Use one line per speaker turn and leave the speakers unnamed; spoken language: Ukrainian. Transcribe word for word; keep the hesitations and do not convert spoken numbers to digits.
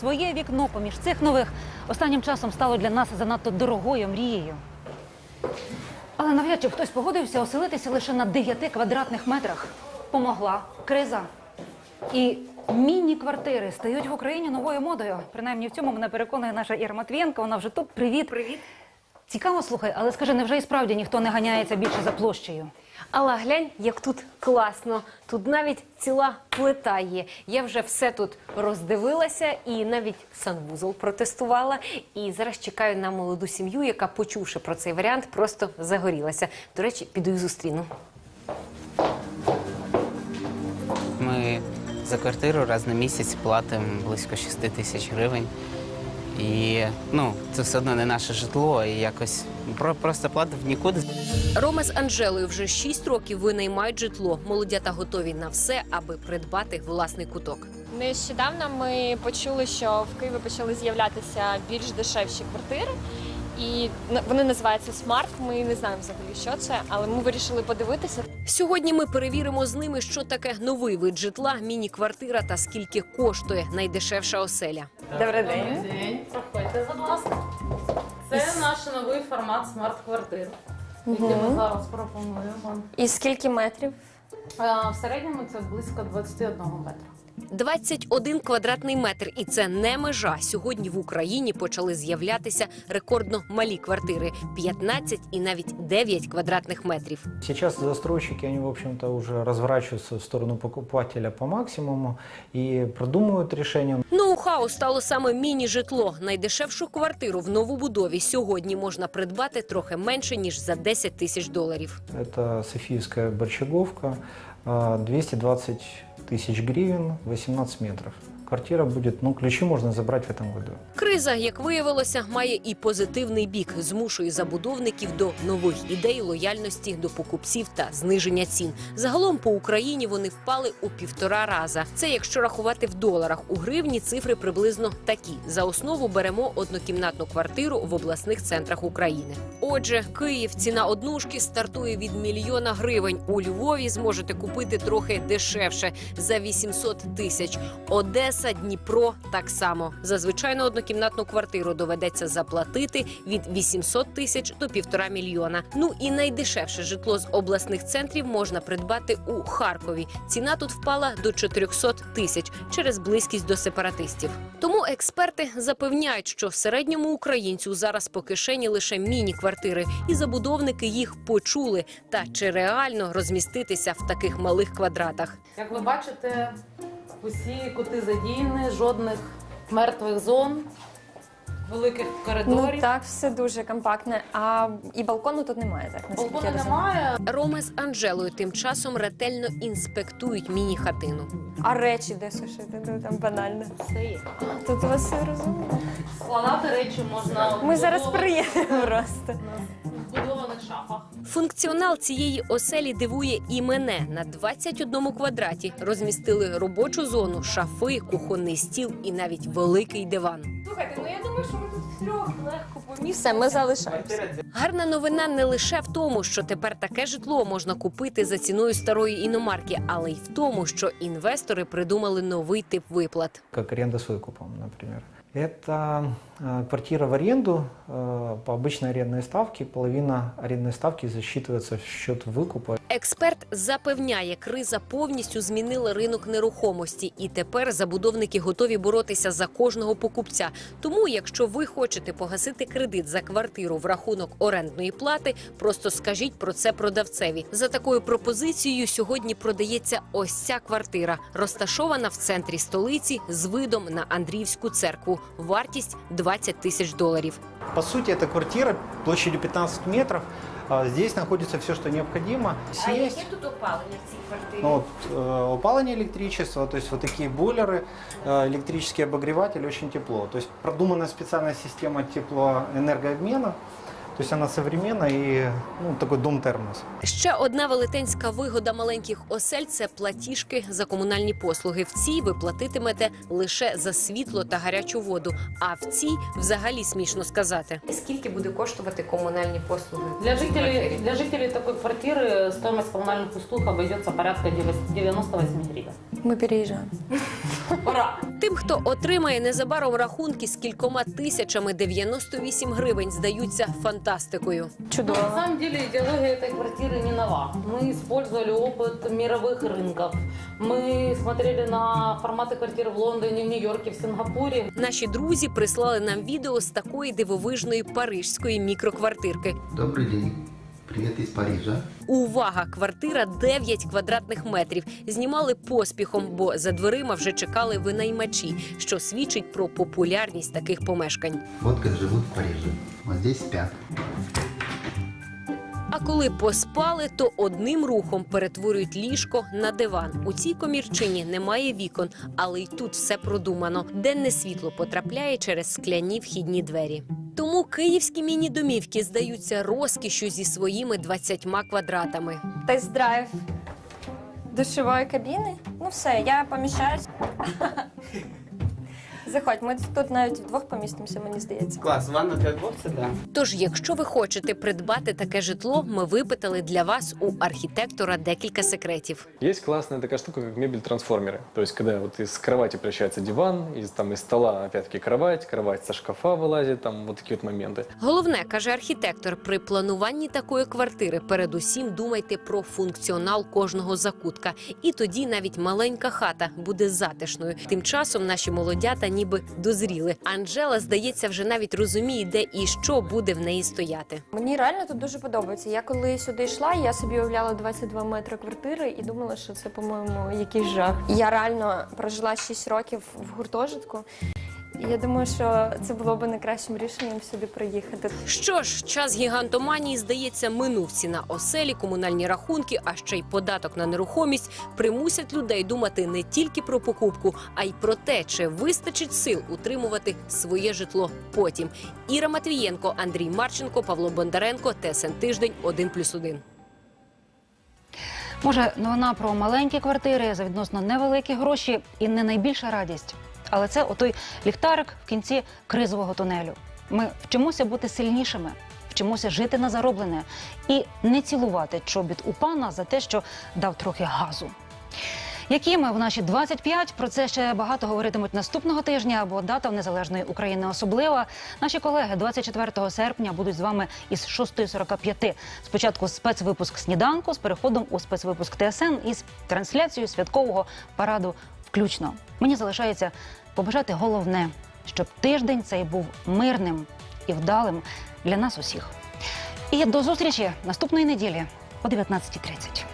Твоє вікно поміж цих нових останнім часом стало для нас занадто дорогою мрією. Але навряд чи хтось погодився оселитися лише на дев'яти квадратних метрах. Помогла криза. І міні-квартири стають в Україні новою модою. Принаймні в цьому мене переконує наша Іра Матвієнко. Вона вже тут. Привіт.
Привіт.
Цікаво, слухай, але скажи, невже і справді ніхто не ганяється більше за площею?
Алла, глянь, як тут класно. Тут навіть ціла плита є. Я вже все тут роздивилася і навіть санвузол протестувала. І зараз чекаю на молоду сім'ю, яка, почувши про цей варіант, просто загорілася. До речі, піду і зустріну.
Ми за квартиру раз на місяць платимо близько шести тисяч гривень. І, ну, це все одно не наше житло, і якось про- просто платив нікуди.
Рома з Анжелою вже шість років винаймають житло. Молодята готові на все, аби придбати власний куток.
Нещодавно ми почули, що в Києві почали з'являтися більш дешевші квартири. І вони називаються «Смарт». Ми не знаємо взагалі, що це, але ми вирішили подивитися.
Сьогодні ми перевіримо з ними, що таке новий вид житла, міні-квартира та скільки коштує найдешевша оселя.
Добрий
Добрий
день.
день. Проходьте, будь ласка. Це наш новий формат смарт-квартир, який ми зараз пропонуємо вам.
І скільки метрів?
А, В середньому це близько двадцять один метра.
двадцять один квадратний метр. І це не межа. Сьогодні в Україні почали з'являтися рекордно малі квартири – п'ятнадцять і навіть дев'ять квадратних метрів.
Сейчас застройщики, они, в общем-то, уже разворачиваются в сторону покупателя по максимуму и продумывают решения.
Ноу-хау стало саме міні-житло. Найдешевшу квартиру в новобудові сьогодні можна придбати трохи менше, ніж за десять тисяч доларів.
Это Софиевская Борщаговка, а, двести двадцать тысяч гривен, восемнадцать метров. Квартира будет, ну, ключи можно забрать в этом году.
Криза, як виявилося, має і позитивний бік. Змушує забудовників до нових ідей, лояльності до покупців та зниження цін. Загалом по Україні вони впали у півтора раза. Це якщо рахувати в доларах. У гривні цифри приблизно такі. За основу беремо однокімнатну квартиру в обласних центрах України. Отже, Київ, ціна однушки стартує від мільйона гривень. У Львові зможете купити трохи дешевше – за вісімсот тисяч. Одеса, Дніпро – так само. За звичайну однокімнатну квартиру доведеться заплатити від вісімсот тисяч до півтора мільйона. Ну і найдешевше житло з обласних центрів можна придбати у Харкові. Ціна тут впала до чотирьохсот тисяч через близькість до сепаратистів. Тому експерти запевняють, що середньому українцю зараз по кишені лише міні-квартири, і забудовники їх почули. Та чи реально розміститися в таких малих квадратах?
Як ви бачите, усі кути задіяні, жодних мертвих зон, великих коридорів.
Ну так, все дуже компактне. А і балкону тут немає, так, наскільки я
Балкону
розумію.
немає.
Рома з Анжелою тим часом ретельно інспектують міні-хатину.
А речі де сушити? Ну там банально.
Все є.
Тут у вас все розумно.
Складати речі можна в
Ми зараз
вбудованих-
приїдемо просто.
в вбудованих шафах.
Функціонал цієї оселі дивує і мене. На двадцять одному квадраті розмістили робочу зону, шафи, кухонний стіл і навіть великий диван.
Слухайте, ну я думаю, що ми тут трьох легко помістимо. Все, ми залишаємося.
Гарна новина не лише в тому, що тепер таке житло можна купити за ціною старої іномарки, але й в тому, що інвестори придумали новий тип виплат.
Как аренда с выкупом, например. Это э, квартира в аренду э, по обычной арендной ставке. Половина арендной ставки засчитывается в счет выкупа.
Експерт запевняє, криза повністю змінила ринок нерухомості, і тепер забудовники готові боротися за кожного покупця. Тому, якщо ви хочете погасити кредит за квартиру в рахунок орендної плати, просто скажіть про це продавцеві. За такою пропозицією сьогодні продається ось ця квартира, розташована в центрі столиці з видом на Андріївську церкву. Вартість двадцять тисяч доларів.
По сути, это квартира площадью пятнадцать метров. А Здесь находится все, что необходимо. Есть,
тут опалення в цій квартирі?
ну, вот, э, опаление электричества, то есть вот такие бойлеры, э, электрический обогреватель, очень тепло. То есть продумана специальная система теплоэнергообмена. То есть она современна и, ну, такой дом-термос.
Ще одна велетенська вигода маленьких осель – це платіжки за комунальні послуги. В цій ви платитимете лише за світло та гарячу воду, а в цій взагалі смішно сказати. Скільки буде коштувати комунальні послуги?
Для жителей, для жителей такой квартиры стоимость коммунальных услуг обойдется порядка девяносто восемь гривен.
Ми переїжджаємо.
Ура!
Тим, хто отримає незабаром рахунки з кількома тисячами дев'яносто вісім гривень, здаються фантастикою.
Чудово.
На самом деле идеология этой квартиры не нова. Мы использовали опыт мировых рынков. Мы смотрели на форматы квартир в Лондоне, в Нью-Йорке, в Сингапуре.
Наші друзі прислали нам відео з такої дивовижної парижської мікроквартирки.
Добрый день. Привет из Парижа.
Увага! Квартира дев'ять квадратних метрів. Знімали поспіхом, бо за дверима вже чекали винаймачі, що свідчить про популярність таких помешкань.
Вот как живут в Париже. Вот здесь спят.
А коли поспали, то одним рухом перетворюють ліжко на диван. У цій комірчині немає вікон, але й тут все продумано. Денне світло потрапляє через скляні вхідні двері. Тому київські міні-домівки здаються розкішшю зі своїми двадцятьма квадратами.
Тест-драйв душової кабіни. Ну все, я поміщаюсь. Заходь, ми тут навіть вдвох помістимося, мені здається.
Клас, ванна для двох це да.
Тож, якщо ви хочете придбати таке житло, ми випитали для вас у архітектора декілька секретів.
Есть классная такая штука, как мебель-трансформеры. То есть, когда вот из кровати превращается диван, из, там, из стола, опять-таки, кровать, кровать со шкафа вылазит, там вот такие вот моменты.
Головне, каже архітектор, при плануванні такої квартири передусім думайте про функціонал кожного закутка. І тоді навіть маленька хата буде затишною. Тим часом наші молодята ніби дозріли. Анжела, здається, вже навіть розуміє, де і що буде в неї стояти.
Мені реально тут дуже подобається. Я коли сюди йшла, я собі уявляла двадцять два метри квартири і думала, що це, по-моєму, якийсь жах. Я реально прожила шість років в гуртожитку. І я думаю, що це було б найкращим рішенням сюди приїхати.
Що ж, час гігантоманії, здається, минув. Ціна оселі, комунальні рахунки, а ще й податок на нерухомість примусять людей думати не тільки про покупку, а й про те, чи вистачить сил утримувати своє житло потім. Іра Матвієнко, Андрій Марченко, Павло Бондаренко, ТСН Тиждень, один плюс один.
Може, новина про маленькі квартири за відносно невеликі гроші і не найбільша радість. Але це отой ліхтарик в кінці кризового тунелю. Ми вчимося бути сильнішими, вчимося жити на зароблене і не цілувати чобіт у пана за те, що дав трохи газу. Які ми в наші двадцять п'ять, про це ще багато говоритимуть наступного тижня, бо дата в Незалежної України особлива. Наші колеги двадцять четвертого серпня будуть з вами із шостої сорок п'ять. Спочатку спецвипуск «Сніданку» з переходом у спецвипуск ТСН із трансляцією святкового параду включно. Мені залишається побажати головне, щоб тиждень цей був мирним і вдалим для нас усіх. І до зустрічі наступної неділі о дев'ятнадцятій тридцять.